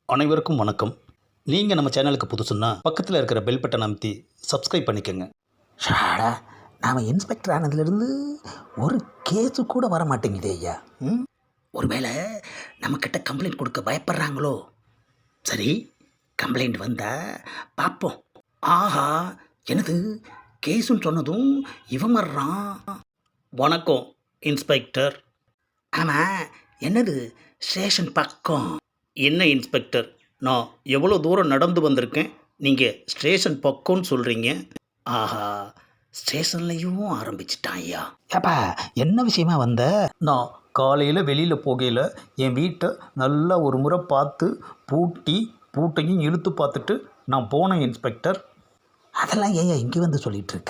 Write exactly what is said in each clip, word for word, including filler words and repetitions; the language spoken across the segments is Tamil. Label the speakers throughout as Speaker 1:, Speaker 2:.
Speaker 1: அனைவருக்கும் வணக்கம். நீங்கள் நம்ம சேனலுக்கு புதுசுன்னா பக்கத்தில் இருக்கிற பெல் பட்டன் அமைத்தி சப்ஸ்கிரைப் பண்ணிக்கோங்க.
Speaker 2: ஷாடா, நாம் இன்ஸ்பெக்டர் ஆனதுலேருந்து ஒரு கேஸு கூட வர மாட்டேங்குதே ஐயா. ம் ஒருவேளை நம்மக்கிட்ட கம்ப்ளைண்ட் கொடுக்க பயப்படுறாங்களோ? சரி, கம்ப்ளைண்ட் வந்தால் பார்ப்போம். ஆஹா, எனது கேஸுன்னு சொன்னதும் இவன் வர்றான்.
Speaker 1: வணக்கம் இன்ஸ்பெக்டர்.
Speaker 2: ஆமாம், என்னது ஸ்டேஷன் பக்கம்?
Speaker 1: என்ன இன்ஸ்பெக்டர், நான் எவ்வளோ தூரம் நடந்து வந்திருக்கேன், நீங்கள் ஸ்டேஷன் பக்கம்னு சொல்கிறீங்க.
Speaker 2: ஆஹா, ஸ்டேஷன்லையும் ஆரம்பிச்சிட்டான் ஐயா. ஏப்பா, என்ன விஷயமா வந்த?
Speaker 1: நான் காலையில் வெளியில் போகையில் என் வீட்டை நல்லா ஒரு முறை பார்த்து பூட்டி பூட்டையும் இழுத்து பார்த்துட்டு நான் போனேன் இன்ஸ்பெக்டர்.
Speaker 2: அதெல்லாம் ஏன் இங்கே வந்து சொல்லிகிட்டு இருக்க?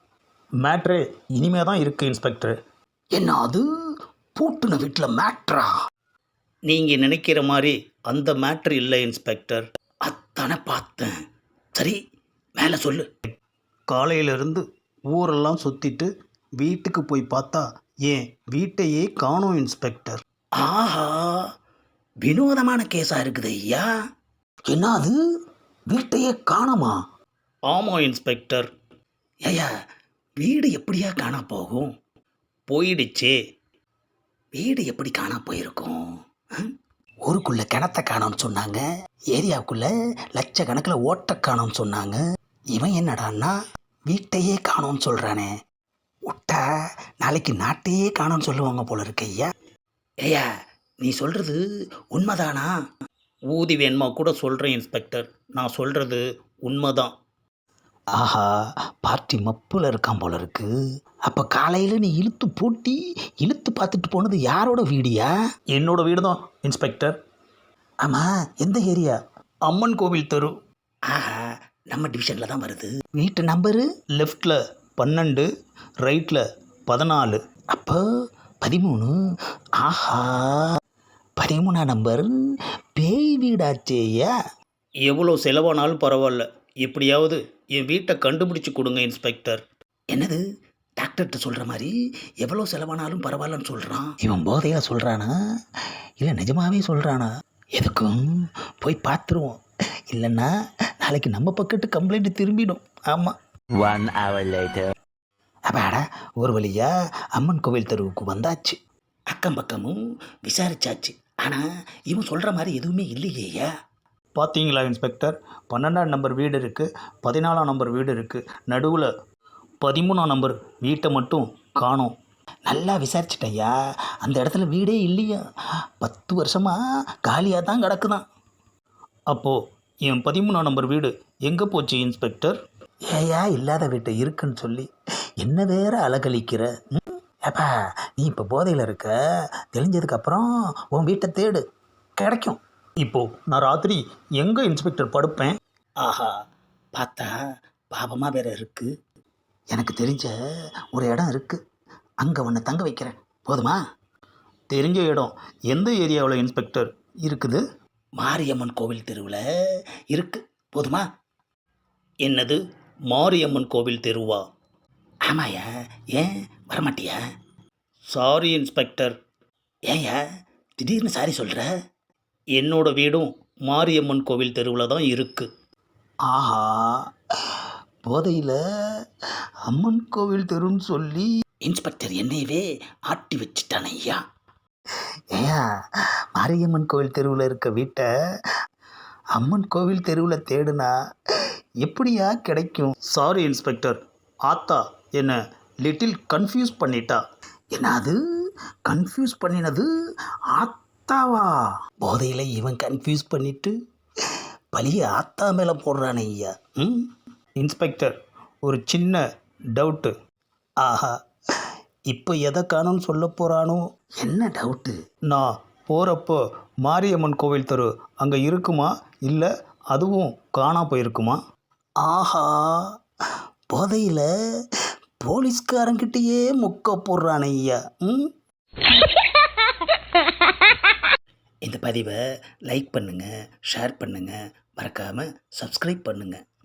Speaker 1: மேட்ரே இனிமே தான் இருக்குது இன்ஸ்பெக்டர்.
Speaker 2: என்ன அது, பூட்டுன வீட்டில் மேட்ரா?
Speaker 1: நீங்கள் நினைக்கிற மாதிரி அந்த மேட்ரு இல்லை இன்ஸ்பெக்டர்.
Speaker 2: அத்தானே பார்த்தேன். சரி, மேலே சொல்லு.
Speaker 1: காலையிலேருந்து ஊரெல்லாம் சுற்றிட்டு வீட்டுக்கு போய் பார்த்தா ஏன் வீட்டையே காணோம் இன்ஸ்பெக்டர்.
Speaker 2: ஆஹா, வினோதமான கேஸாக இருக்குது ஐயா. என்ன அது, வீட்டையே காணுமா?
Speaker 1: ஆமாம் இன்ஸ்பெக்டர்.
Speaker 2: ஐயா, வீடு எப்படியா காணா போகும்?
Speaker 1: போயிடுச்சே.
Speaker 2: வீடு எப்படி காணா போயிருக்கும்? ஊருக்குள்ளே கிணத்த காணோம்னு சொன்னாங்க, ஏரியாவுக்குள்ளே லட்சக்கணக்கில் ஓட்ட காணோம்னு சொன்னாங்க. இவன் என்னடான்னா வீட்டையே காணோம்னு சொல்கிறானே. விட்டா நாளைக்கு நாட்டையே காணோம்னு சொல்லுவாங்க போல இருக்கு ஐயா. ஐயா, நீ சொல்கிறது உண்மைதானா?
Speaker 1: ஊதி வேணுமா கூட சொல்கிறேன் இன்ஸ்பெக்டர், நான் சொல்கிறது உண்மைதான்.
Speaker 2: ஆஹா, பார்ட்டி மப்பில் இருக்கான் போல இருக்கு. அப்போ காலையில் நீ இழுத்து பூட்டி இழுத்து பார்த்துட்டு போனது யாரோட வீடியா?
Speaker 1: என்னோட வீடு தான் இன்ஸ்பெக்டர்.
Speaker 2: ஆமாம், எந்த ஏரியா?
Speaker 1: அம்மன் கோவில் தெரு.
Speaker 2: ஆஹா, நம்ம டிவிஷனில் தான் வருது. வீட்டு நம்பரு?
Speaker 1: லெஃப்டில் பன்னெண்டு, ரைட்டில் பதினாலு.
Speaker 2: அப்போ பதிமூணு. ஆஹா, பதிமூணாம் நம்பர் பேய் வீடாச்சேயா.
Speaker 1: எவ்வளோ செலவானாலும் பரவாயில்ல, எப்படியாவது என் வீட்டை கண்டுபிடிச்சி கொடுங்க இன்ஸ்பெக்டர்.
Speaker 2: என்னது, டாக்டர்கிட்ட சொல்கிற மாதிரி எவ்வளோ செலவானாலும் பரவாயில்லன்னு சொல்கிறான். இவன் போதையாக சொல்கிறானா இல்லை நிஜமாகவே சொல்கிறானா? எதுக்கும் போய் பார்த்துருவோம், இல்லைன்னா நாளைக்கு நம்ம பக்கத்து கம்ப்ளைண்ட் திரும்பிடும். ஆமாம். One hour later. அப்பாடா, ஒரு வழியா அம்மன் கோவில் தெருவுக்கு வந்தாச்சு. அக்கம் பக்கமும் விசாரிச்சாச்சு. ஆனால் இவன் சொல்கிற மாதிரி எதுவுமே இல்லையேயா.
Speaker 1: பார்த்தீங்களா இன்ஸ்பெக்டர், பன்னெண்டாம் நம்பர் வீடு இருக்குது, பதினாலாம் நம்பர் வீடு இருக்குது, நடுவில் பதிமூணாம் நம்பர் வீட்டை மட்டும் காணோம்.
Speaker 2: நல்லா விசாரிச்சிட்டையா, அந்த இடத்துல வீடே இல்லையா. பத்து வருஷமாக காலியாக தான் கிடக்குதான்.
Speaker 1: அப்போது என் பதிமூணாம் நம்பர் வீடு எங்கே போச்சு இன்ஸ்பெக்டர்?
Speaker 2: ஏயா இல்லாத வீட்டை இருக்குன்னு சொல்லி என்ன வேற அலகழிக்கிற? ஏப்பா, நீ இப்போ போதையில் இருக்க, தெளிஞ்சதுக்கப்புறம் உன் வீட்டை தேடு, கிடைக்கும்.
Speaker 1: இப்போது நான் ராத்திரி எங்கே இன்ஸ்பெக்டர் படுப்பேன்?
Speaker 2: ஆஹா, பார்த்தா பாவமாக வேற இருக்குது. எனக்கு தெரிஞ்ச ஒரு இடம் இருக்குது, அங்கே உன்னை தங்க வைக்கிறேன், போதுமா?
Speaker 1: தெரிஞ்ச இடம் எந்த ஏரியாவில் இன்ஸ்பெக்டர் இருக்குது?
Speaker 2: மாரியம்மன் கோவில் தெருவில் இருக்குது, போதுமா?
Speaker 1: என்னது, மாரியம்மன் கோவில் தெருவா?
Speaker 2: ஆமாயா, ஏன் வரமாட்டியா?
Speaker 1: Sorry inspector.
Speaker 2: ஏன்யா திடீர்னு சாரி சொல்கிற?
Speaker 1: என்னோட வீடும் மாரியம்மன் கோவில் தெருவில் தான் இருக்குது.
Speaker 2: ஆஹா, போதையில் அம்மன் கோவில் தெருன்னு சொல்லி இன்ஸ்பெக்டர் என்னையவே ஆட்டி வச்சுட்டான் ஐயா. ஏயா, மாரியம்மன் கோவில் தெருவில் இருக்க வீட்டை அம்மன் கோவில் தெருவில் தேடுனா எப்படியா கிடைக்கும்?
Speaker 1: சாரி இன்ஸ்பெக்டர், ஆத்தா என்ன லிட்டில் கன்ஃபியூஸ் பண்ணிட்டா.
Speaker 2: என்ன அது, கன்ஃபியூஸ் பண்ணினது ஆத்தாவா? போதையில் இவன் கன்ஃபியூஸ் பண்ணிட்டு பழிய ஆத்தா மேலே போடுறானே ஐயா. ம்
Speaker 1: இன்ஸ்பெக்டர், ஒரு சின்ன டவுட்டு.
Speaker 2: ஆஹா, இப்போ எதை காணும்னு சொல்ல போகிறானோ? என்ன டவுட்டு?
Speaker 1: நான் போகிறப்போ மாரியம்மன் கோவில் தெரு அங்கே இருக்குமா, இல்லை அதுவும் காணா போயிருக்குமா?
Speaker 2: ஆஹா, போதையில் போலீஸ்காரங்கிட்டேயே முக்க போடுறானே ஐயா. ம் இந்த பதிவை லைக் பண்ணுங்கள், ஷேர் பண்ணுங்கள், மறக்காமல் சப்ஸ்கிரைப் பண்ணுங்கள்.